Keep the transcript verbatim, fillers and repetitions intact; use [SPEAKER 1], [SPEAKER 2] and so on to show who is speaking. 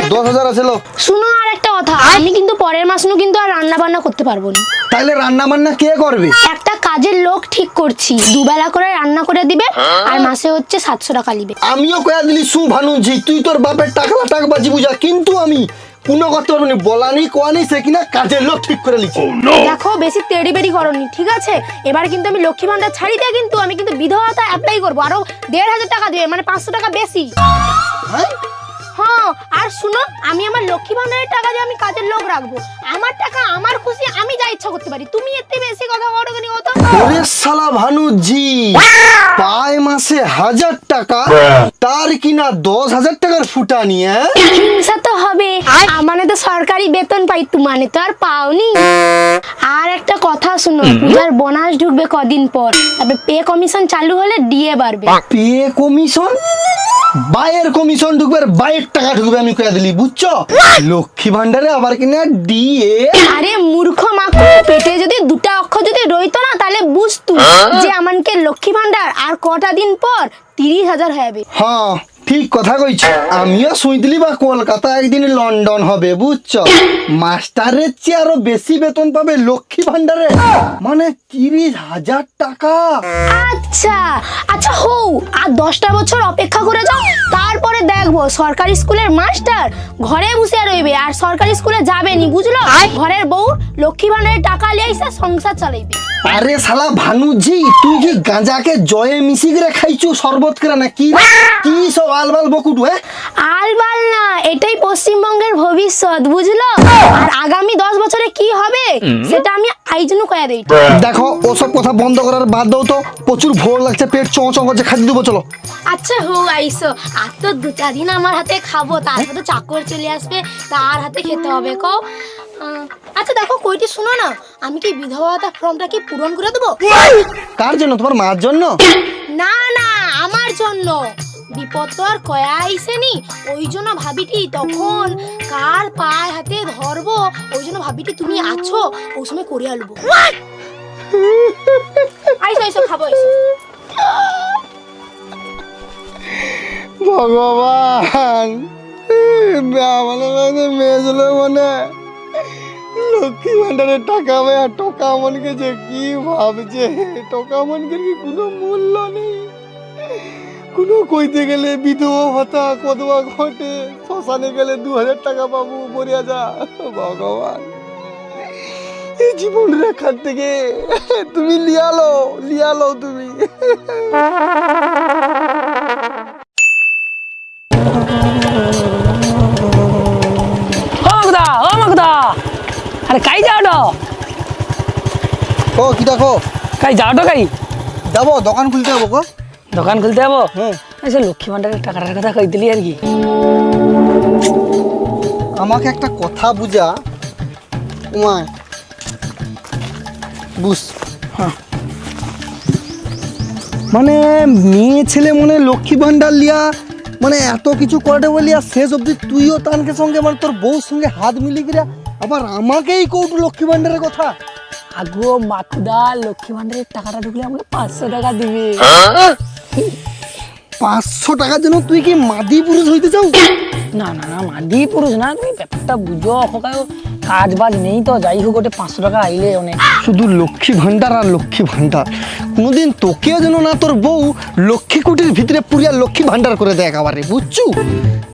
[SPEAKER 1] দশ হাজার আছে লো।
[SPEAKER 2] শুনো আর একটা কথা, আমি কিন্তু পরের মাস নু কিন্তু আর রান্না বান্না করতে পারবো না।
[SPEAKER 1] তাইলে রান্না বান্না কে করবে?
[SPEAKER 2] একটা কাজের লোক ঠিক করছি, দুবেলা করে রান্না করে দিবে আর মাসে হচ্ছে সাতশো টাকা নিবে।
[SPEAKER 1] আমিও কয়া দিলি সু ভানুজি, তুই তোর বাপের টাকা টাক বাজি বুঝা, কিন্তু আমি কোনো করতে পারবো না। বলা নেই কোয়া নেই, সে কিনা কাজের লোক ঠিক করে লিখছে।
[SPEAKER 2] দেখো বেশি তেড়ি বেড়ি করনি, ঠিক আছে? এবার কিন্তু আমি লক্ষ্মী ভান্ডার ছাড়ি দিয়ে কিন্তু আমি কিন্তু বিধবা ভাতা অ্যাপ্লাই করবো, আরো দেড় হাজার টাকা দিবে, মানে পাঁচশো টাকা বেশি।
[SPEAKER 1] হ্যাঁ
[SPEAKER 2] হ্যাঁ, আর শুনো, আমি আমার লক্ষ্মী ভান্ডারের টাকা দিয়ে আমি কাজের লোক রাখবো। আমার টাকা আমার খুশি, আমি যা ইচ্ছা করতে পারি। তুমি এতে বেশি কথা বলো কেন? কথা
[SPEAKER 1] ওরে শালা ভানুজি, পায় মাসে হাজার টাকা, তার কিনা দশ হাজার টাকার ফুটা নিয়ে।
[SPEAKER 2] হিংসা তো হবে, মানে তো সরকারি বেতন পাই, মানে তো আর পাওনি। আর একটা কথা শুনো, পূজার বোনাস ঢুকবে কদিন পর, তারপরে পে কমিশন চালু হলে ডিএ বাড়বে।
[SPEAKER 1] Pay commission? বাইয়ের কমিশন ঢুকবে আর বাইয়ের টাকা ঢুকবে, আমি কয়া দিলি, বুঝছো? লক্ষ্মী ভান্ডারে আবার কিনা ডিএ।
[SPEAKER 2] আরে মূর্খ মাকু, পেটে যদি দুটা অক্ষর যদি রইতো না, তাহলে বুঝতু যে আমাকে লক্ষ্মী ভান্ডার আর কটা দিন পর তিরিশ হাজার হবে।
[SPEAKER 1] হ্যাঁ ঠিক কথা কইছো, আমিও শুনতিলি বা কলকাতা একদিন লন্ডন হবে, বুঝছো? মাস্টারের চেয়ে আরো বেশি বেতন পাবে লক্ষ্মী ভান্ডারে, মানে তিরিশ হাজার টাকা।
[SPEAKER 2] আচ্ছা আচ্ছা, হও আর দশটা বছর অপেক্ষা করে যাও, তারপরে দেখবো সরকারি স্কুলের মাস্টার ঘরে বসে রইবে আর সরকারি স্কুলে যাবে নি, বুঝলো? ঘরের বউ লক্ষ্মী ভান্ডারের টাকা লিয়ে এসে সংসার চালাইবে।
[SPEAKER 1] আরে শালা ভানুজি, তুই কি গাঁজাকে জয়ে মিশি করে খাইছু শরবত করে না কি? কি সব আলবাল বকুটু? হ্যাঁ
[SPEAKER 2] আলবাল না, এটাই পশ্চিমবঙ্গের ভবিষ্যৎ, বুঝলো? আর আগামী দশ বছরে কি হবে সেটা আমি আইজনু কয়া দেই।
[SPEAKER 1] দেখো, ওসব কথা বন্ধ করার বাদ দাও তো, প্রচুর ভোর লাগছে, পেট চঁ চঁ করছে, খাইতে দেবো, চলো।
[SPEAKER 2] আচ্ছা হো আইসো, আর তো দুটা দিন আমার হাতে খাবো, তারপর তো চাকর চলে আসবে, তার হাতে খেতে হবে। কও আহ, আচ্ছা দেখো কইটি, শুনো না, আমি কি বিধবা ভাতা ফর্মটা কি পূরণ করে দেবো?
[SPEAKER 1] কার জন্য? তোমার মার জন্য?
[SPEAKER 2] না না, আমার জন্য। বিপদ তো আর কয়া আইসেনি, ওই জন্য ভাবিটি তখন কার পায়ে হাতে ধরবো, ওই জন্য ভাবিটি তুমি আছো, ওই সময় করে আলবো। আইসো আইসো, খাবো আইসো।
[SPEAKER 1] ভগবান, আমাদের মেয়ে ছিল মানে লক্ষ্মী ভান্ডারের টাকা ভাই, আর টাকা মনকে যে কি ভাবছে, টাকা মনকে কি কোনো মূল্য নেই। কোনো কইতে গেলে বিধবা ভাতা কতবা ঘটে, শ্মশানে গেলে দু হাজার টাকা পাবো, মরিয়া যা। ভগবান, এই জীবন রেখার থেকে তুমি লিয়ালো লিয়ালো তুমি।
[SPEAKER 3] अरे काई जाओ
[SPEAKER 1] ও কি দেখো,
[SPEAKER 3] काई जाओ काई
[SPEAKER 1] যাবো দোকান খুলতে যাবো গো।
[SPEAKER 3] দোকান খুলতে যাবো।
[SPEAKER 1] হুম,
[SPEAKER 3] আচ্ছা, লক্ষ্মী ভান্ডারের টাকাটার কথা কই দিলি আর কি।
[SPEAKER 1] আমাকে একটা কথা বুঝা, উমা বুঝ।
[SPEAKER 3] হ্যাঁ।
[SPEAKER 1] মানে মেয়ে ছেলে মনে লক্ষ্মী ভান্ডার লিয়া, মানে এত কিছু করে বলি, আর শেষ অব্দি তুইও তানকে সঙ্গে, মানে তোর বউর সঙ্গে হাত মিলি গিয়া আবার আমাকেই কৌটু লক্ষ্মী ভান্ডারের কথা।
[SPEAKER 3] আগো মাকুদা, লক্ষ্মী ভান্ডারের টাকাটা ঢুকলে আমাকে পাঁচশো টাকা দিবে।
[SPEAKER 1] পাঁচশো টাকার জন্য তুই কি মাদি পুরুষ হইতে চাও?
[SPEAKER 3] না না না, মাদি পুরুষ না, তুমি ব্যাপারটা বুঝো। ওখানে কাজ বাজ নেই তো, যাই হোক ওটা পাঁচশো টাকা আইলে অনেক।
[SPEAKER 1] শুধু লক্ষ্মী ভান্ডার আর লক্ষ্মী ভান্ডার, কোনোদিন তোকেও যেন না তোর বউ লক্ষ্মী কুটির ভিতরে পুরিয়া লক্ষ্মী ভান্ডার করে দেয় একেবারে, বুঝছু?